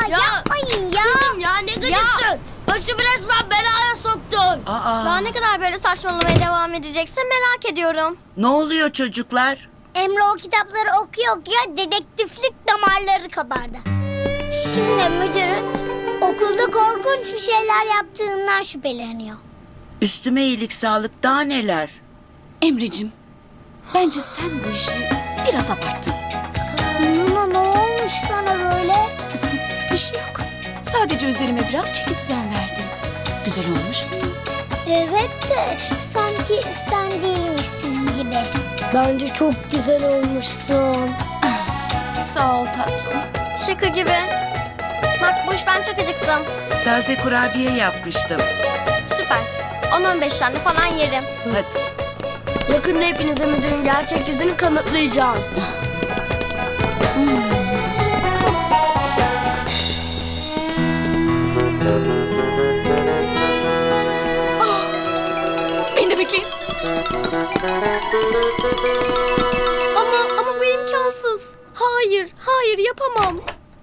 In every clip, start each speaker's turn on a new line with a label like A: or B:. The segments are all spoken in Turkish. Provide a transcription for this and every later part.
A: yapmayın ya.
B: Kızım ya ne gıcıksın? Başımı resmen belaya soktun.
C: Daha ne kadar böyle saçmalamaya devam edeceksin merak ediyorum.
D: Ne oluyor çocuklar?
A: Emre o kitapları okuyor dedektiflik damarları kabardı. Şimdi müdürün okulda korkunç bir şeyler yaptığından şüpheleniyor.
D: Üstüme iyilik sağlık daha neler?
E: Emreciğim, bence sen bu işi biraz abarttın.
A: Nuna ne olmuş sana böyle?
E: Bir şey yok. Sadece üzerime biraz çeki düzen verdim. Güzel olmuş mu?
A: Evet de sanki sen değilmişsin gibi. Bence çok güzel olmuşsun.
E: Sağ ol tatlım.
C: Şaka gibi. Makbuş ben çok acıktım.
D: Taze kurabiye yapmıştım.
C: Süper. 10-15 tane falan yerim.
D: Hadi.
B: Yakında hepinize müdürün gerçek yüzünü kanıtlayacağım.
E: Beni de bekleyin.
B: Ama bu imkansız. Hayır yapamam.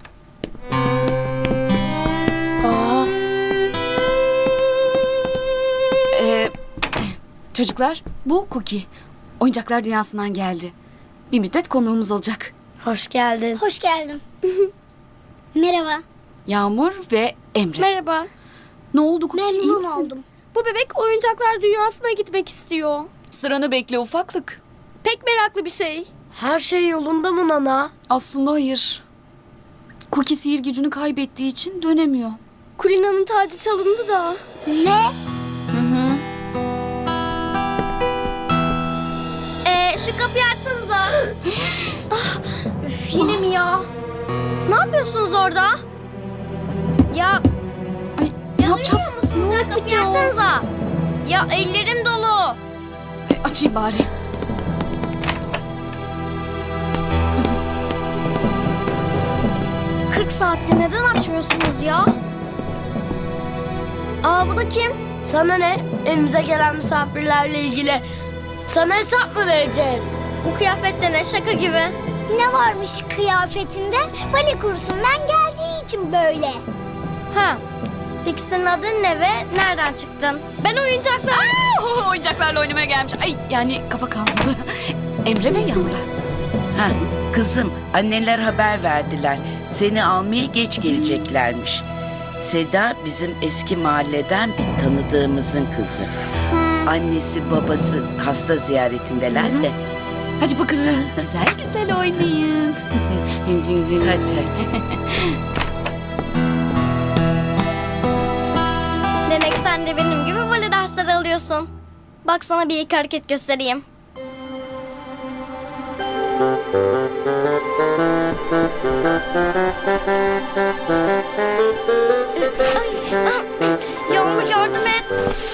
E: Çocuklar, bu Cookie. Oyuncaklar dünyasından geldi. Bir müddet konuğumuz olacak.
B: Hoş geldin.
A: Hoş geldin. Merhaba.
E: Yağmur ve Emre.
B: Merhaba.
E: Ne oldu Cookie, iyi
A: Memnun
E: misin?
A: oldum.
B: Bu bebek oyuncaklar dünyasına gitmek istiyor.
E: Sıranı bekle ufaklık.
B: Pek meraklı bir şey. Her şey yolunda mı Nana?
E: Aslında hayır. Cookie sihir gücünü kaybettiği için dönemiyor.
B: Kulina'nın tacı çalındı da.
A: Ne?
E: Hı.
C: Şu kapıyı açsanıza. Üf, yine mi ya? Ne yapıyorsunuz orada? Ya
E: Ay, ne yapacağız?
C: musunuz ya? Kapıyı açsanıza. Ya ellerim dolu.
E: Açayım bari.
C: ...40 saattir neden açmıyorsunuz ya? Bu da kim?
B: Sana ne? Evimize gelen misafirlerle ilgili sana hesap mı vereceğiz?
C: Bu kıyafette ne? Şaka gibi.
A: Ne varmış kıyafetinde? Bale kursundan geldiği için böyle.
C: Ha. Peki senin adın ne ve nereden çıktın?
B: Ben oyuncaklar.
E: Oyuncaklarla oynamaya gelmiş. Ay yani kafa kalmadı. Emre ve Yağmur'la.
D: Ha, kızım anneler haber verdiler. Seni almaya geç geleceklermiş. Seda bizim eski mahalleden bir tanıdığımızın kızı. Annesi babası hasta ziyaretindeler de.
E: Hadi bakalım. Güzel güzel oynayın.
D: Hadi.
C: Demek sen de benim gibi bale dersleri alıyorsun. Bak sana bir iki hareket göstereyim. Yağmur yardım et.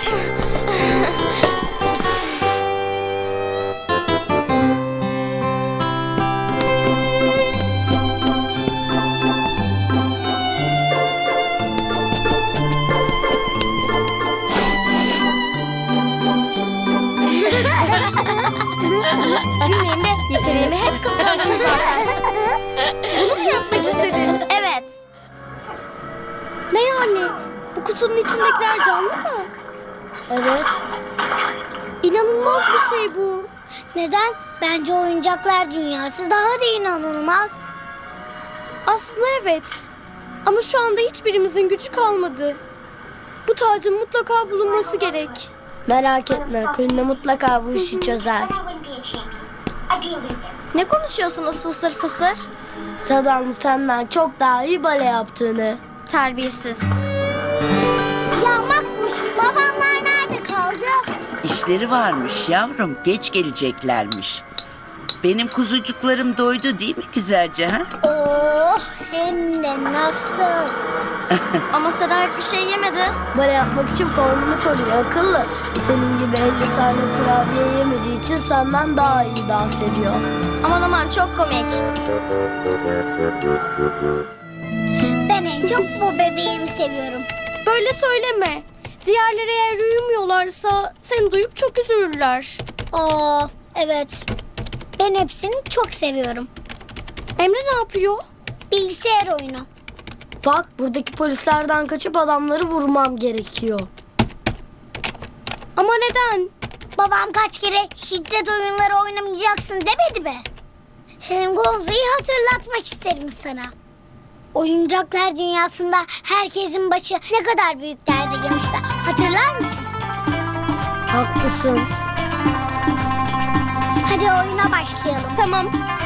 C: Gülmeyin be, yeteneğimi hep kıskandınız zaten.
B: Bunu mu yapmak istedin?
C: Evet.
B: Ne yani? Bu kutunun içindekiler canlı mı?
A: Evet.
B: İnanılmaz bir şey bu.
A: Neden? Bence oyuncaklar dünyası daha da inanılmaz.
B: Aslında evet. Ama şu anda hiçbirimizin gücü kalmadı. Bu tacın mutlaka bulunması gerek.
A: Merak etme, Kulina mutlaka bu işi çözer.
C: Ne konuşuyorsunuz fısır fısır?
B: Sada'nın senden çok daha iyi bale yaptığını.
C: Terbiyesiz.
A: Ya Makbuş, babamlar nerede kaldı?
D: İşleri varmış yavrum. Geç geleceklermiş. Benim kuzucuklarım doydu değil mi güzelce ha?
A: Oh, hem de nasıl?
C: Ama Seda hiçbir şey yemedi.
B: Bale yapmak için formunu koruyor akıllı. Senin gibi 50 tane kurabiye yemediği için senden daha iyi dans ediyor.
C: Aman aman çok komik.
A: Ben en çok bu bebeğimi seviyorum.
B: Böyle söyleme. Diğerleri eğer uyumuyorlarsa seni duyup çok üzülürler.
A: Aa, evet. Ben hepsini çok seviyorum.
B: Emre ne yapıyor?
A: Bilgisayar oyunu.
B: Bak buradaki polislerden kaçıp adamları vurmam gerekiyor. Ama neden?
A: Babam kaç kere şiddet oyunları oynamayacaksın demedi mi? Hem Gonza'yı hatırlatmak isterim sana. Oyuncaklar dünyasında herkesin başı ne kadar büyük derde girmişti. Hatırlar mısın?
B: Haklısın.
A: Hadi oyuna başlayalım.
B: Tamam.